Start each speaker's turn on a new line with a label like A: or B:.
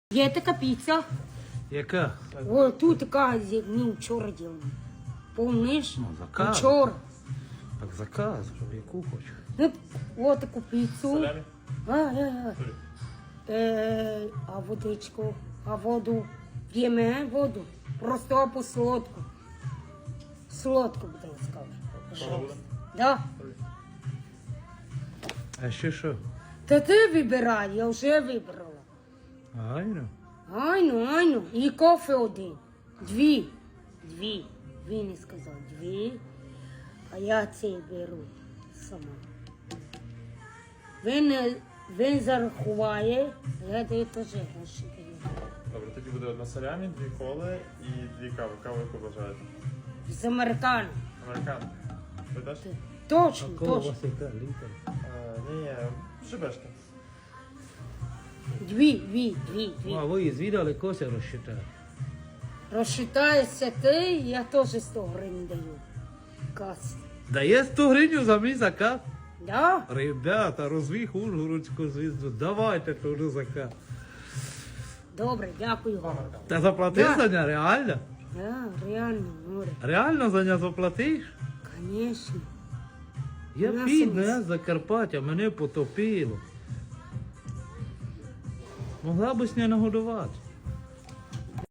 A: Є така піца.
B: Яка?
A: О, тут така, ну, вчора ділена. Помниш?
B: Ну, заказ.
A: Вчора.
B: Так заказ, яку хочеш.
A: Ну, о, таку піцу.
C: Салямі?
A: А водичку, а воду. П'ємо воду. Просто або солодку. Солодку, будь ласка.
C: Кола буде?
A: Да.
B: А ще що?
A: Та ти вибирай, я вже вибрала.
B: Айно.
A: Айну. І кофе один. Дві. Він не сказав дві. А я цей беру сама. Він зарахуває, я даю теж гроші.
C: Добре, тоді буде одна салямі, 2 коли і 2 кави. Каву яку бажаєте?
A: З американо.
C: Американо. Ви теж?
A: Точно.
B: Кола у вас яка? Літер?
C: Ні, шибешка.
A: Дві.
B: А ви звідали Кося розчитати?
A: Розчитаєшся ти, я теж 100 гривень даю. Кас.
B: Дає 100 гривень за мій заказ?
A: Да?
B: Ребята, розвіх Ужгородську звізду. Давайте теж заказ.
A: Добре, дякую вам.
B: Та заплатиш
A: Да.
B: за нього, реально?
A: Да, реально, море.
B: Реально за нього заплатиш?
A: Конечно.
B: Я
A: На
B: бідна,
A: сумці.
B: я з Закарпаття, мене потопило. Могла б з нею нагодувати.